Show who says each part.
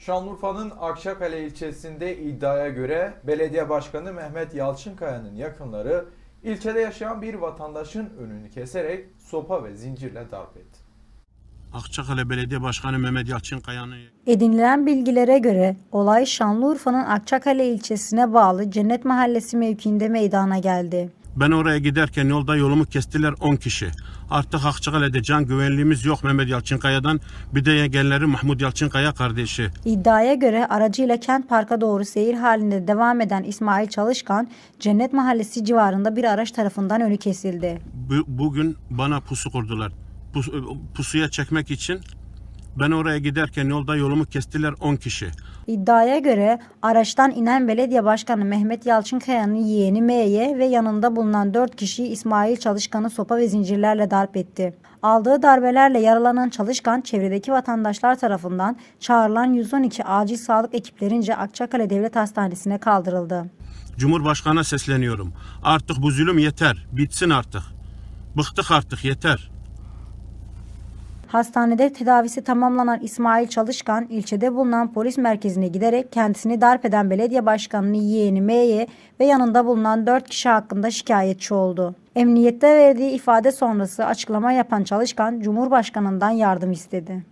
Speaker 1: Şanlıurfa'nın Akçakale ilçesinde iddiaya göre belediye başkanı Mehmet Yalçınkaya'nın yakınları ilçede yaşayan bir vatandaşın önünü keserek sopa ve zincirle darp etti.
Speaker 2: Akçakale Belediye Başkanı Mehmet Yalçınkaya'nın
Speaker 3: Edinilen bilgilere göre olay Şanlıurfa'nın Akçakale ilçesine bağlı Cennet Mahallesi mevkiinde meydana geldi.
Speaker 2: ben oraya giderken yolda yolumu kestiler 10 kişi. Artık Akçakale'de can güvenliğimiz yok Mehmet Yalçınkaya'dan. Bir de yeğenleri Mahmut Yalçınkaya kardeşi.
Speaker 3: İddiaya göre aracıyla Kent Park'a doğru seyir halinde devam eden İsmail Çalışkan, Cennet Mahallesi civarında bir araç tarafından önü kesildi.
Speaker 2: Bugün bana pusu kurdular. Pusuya çekmek için ben oraya giderken yolda yolumu kestiler 10 kişi.
Speaker 3: İddiaya göre araçtan inen belediye başkanı Mehmet Yalçınkaya'nın yeğeni M'ye ve yanında bulunan 4 kişiyi İsmail Çalışkan'ı sopa ve zincirlerle darp etti. Aldığı darbelerle yaralanan Çalışkan, çevredeki vatandaşlar tarafından çağrılan 112 acil sağlık ekiplerince Akçakale Devlet Hastanesi'ne kaldırıldı.
Speaker 2: Cumhurbaşkanı'na sesleniyorum. Artık bu zulüm yeter. Bitsin artık. Bıktık artık, yeter.
Speaker 3: Hastanede tedavisi tamamlanan İsmail Çalışkan, ilçede bulunan polis merkezine giderek kendisini darp eden belediye başkanının yeğeni M'ye ve yanında bulunan 4 kişi hakkında şikayetçi oldu. Emniyette verdiği ifade sonrası açıklama yapan Çalışkan, Cumhurbaşkanından yardım istedi.